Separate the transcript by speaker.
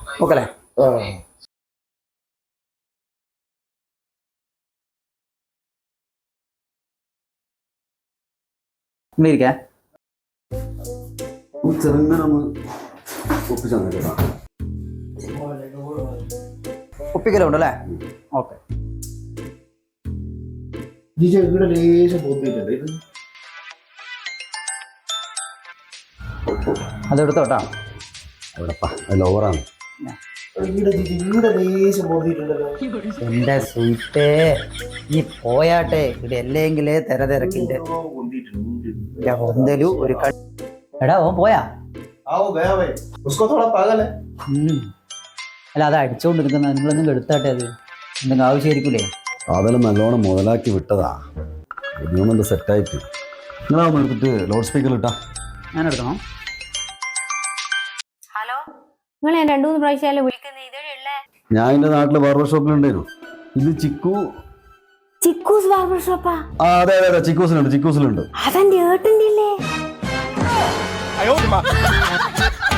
Speaker 1: Okay അല്ലേ? ഇരിക്കേ
Speaker 2: ചെറുങ്ങനെ ഒന്ന് ഒപ്പിച്ചു തന്നേക്കാം.
Speaker 1: ഒപ്പിക്കലുണ്ടല്ലേ? ഓക്കെ.
Speaker 2: ഇവിടെ ലേശം ബോധ്യമുണ്ട്.
Speaker 1: അതെടുത്തോട്ടാ.
Speaker 2: എവിടെപ്പാ ലോവറാണ്.
Speaker 1: എന്റെ സ്വീറ്റേ നീ പോയാട്ടെ. ഇവിടെ അല്ലെങ്കിലേ തിരക്കിന്റെ ഒന്നലു ഒരു എടാ ഓൻ പോയാ? അല്ല അത് അടിച്ചോണ്ട് നിൽക്കുന്ന നിങ്ങളൊന്നും എടുത്താട്ടെ. അത് എന്തെങ്കിലും ആവശ്യമായിരിക്കൂലേ?
Speaker 2: അതെല്ലാം നല്ലോണം മുതലാക്കി വിട്ടതാ. ഒന്നും സെറ്റായിട്ട് നിങ്ങളാവുന്ന എടുത്തിട്ട് ലൗഡ് സ്പീക്കറിൽ ഇട്ടാ.
Speaker 1: ഞാൻ എടുക്കണോ?
Speaker 3: ഹലോ, നിങ്ങൾ ഞാൻ 2-3 പ്രാവശ്യം വിളിക്കുന്നത് ഇതേ.
Speaker 2: ഞാൻ എന്റെ നാട്ടില് ബാർബർ ഷോപ്പിലുണ്ടായിരുന്നു. ഇത്
Speaker 3: ചിക്കൂസ് ബാർബർ ഷോപ്പാ?
Speaker 2: അതെ അതെ അതെ, ചിക്കൂസിലുണ്ട്.
Speaker 3: അതെന്റെ ഏട്ടൻ്റെ ഇല്ലേ?